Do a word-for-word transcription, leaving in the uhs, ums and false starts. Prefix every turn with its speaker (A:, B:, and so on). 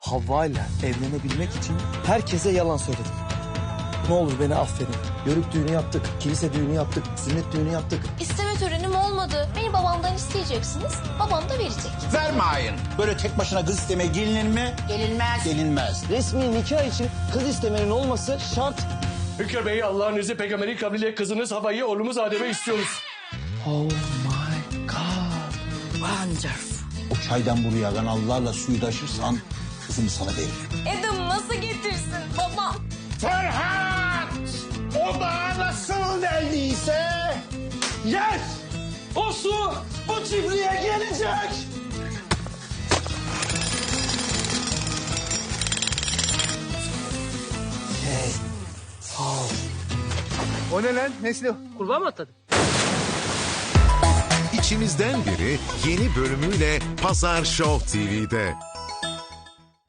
A: Havva ile evlenebilmek için herkese yalan söyledim. Ne olur beni affedin.
B: Yörük düğünü yaptık, kilise düğünü yaptık, sünnet düğünü yaptık.
C: İsteme törenim olmadı. Beni babamdan isteyeceksiniz. Babam da verecek.
D: Vermeyin. Böyle tek başına kız istemeye gelinir mi?
C: Gelinmez.
D: Gelinmez.
B: Resmi nikah için kız istemenin olması şart.
E: Hünkar Bey, Allah'ın izni peygamberi kabriyle kızınız Havva'yı oğlumuz Adem'e istiyoruz.
A: Oh my God.
C: Wonderful.
D: O çaydan buraya kanallarla suyu taşırsan kızımı sana veririm.
C: Adam nasıl getirsin babam?
D: Ferhat! O da nasıl geldiyse yes! O su bu çiftliğe gelecek.
F: O ne lan? Nesli? Kurbağa mı atladın?
G: İçimizden biri yeni bölümüyle Pazar Show T V'de.